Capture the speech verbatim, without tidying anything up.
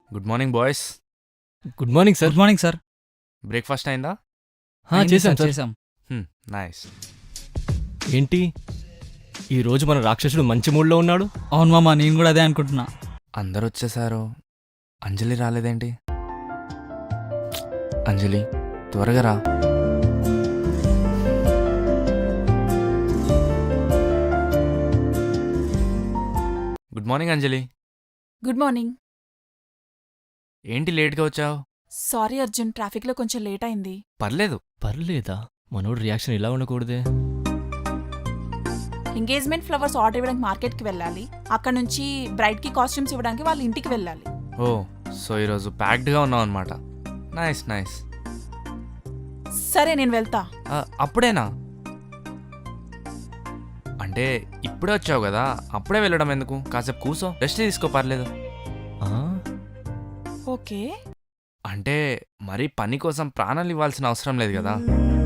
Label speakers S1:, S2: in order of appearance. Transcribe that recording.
S1: Good morning boys.
S2: Good morning sir.
S3: Good morning sir.
S1: Breakfast అయిందా?
S2: హా,
S3: అయింది
S2: చేశాం
S3: సార్,
S2: సార్.
S3: చేశాం.
S1: నైస్.
S2: ఏంటి ఈ రోజు మన రాక్షసుడు మంచి మూడ్లో ఉన్నాడు?
S3: అవును మామ, నేను కూడా అదే అనుకుంటున్నా.
S1: అందరు వచ్చేసారు, అంజలి రాలేదేంటి? అంజలి త్వరగా రా. Good morning Anjali.
S4: Good morning.
S1: ఏంటి లేట్గా వచ్చావు?
S4: సారీ అర్జున్, ట్రాఫిక్లో కొంచెం లేట్ అయింది.
S1: పర్లేదు.
S2: పర్లేదా? మనోడు రియాక్షన్ ఇలా ఉండకూడదే.
S4: ఎంగేజ్మెంట్ ఫ్లవర్స్ ఆర్డర్ ఇవ్వడానికి మార్కెట్కి వెళ్ళాలి. అక్కడ నుంచి బ్రైడ్కి కాస్ట్యూమ్స్ ఇవ్వడానికి వాళ్ళ ఇంటికి వెళ్ళాలి.
S1: ఓ, సో ఈరోజు ప్యాక్డ్గా ఉన్నావు అనమాట. Nice nice.
S4: సరే, నేను వెళ్తా.
S1: అప్పుడేనా? అంటే ఇప్పుడే వచ్చావు కదా, అప్పుడే వెళ్ళడం ఎందుకు? కాసేపు కూసో, రెస్ట్ తీసుకో, పర్లేదు.
S2: ఆ,
S4: ఓకే.
S1: అంటే మరీ పని కోసం ప్రాణాలు ఇవ్వాల్సిన అవసరం లేదు కదా.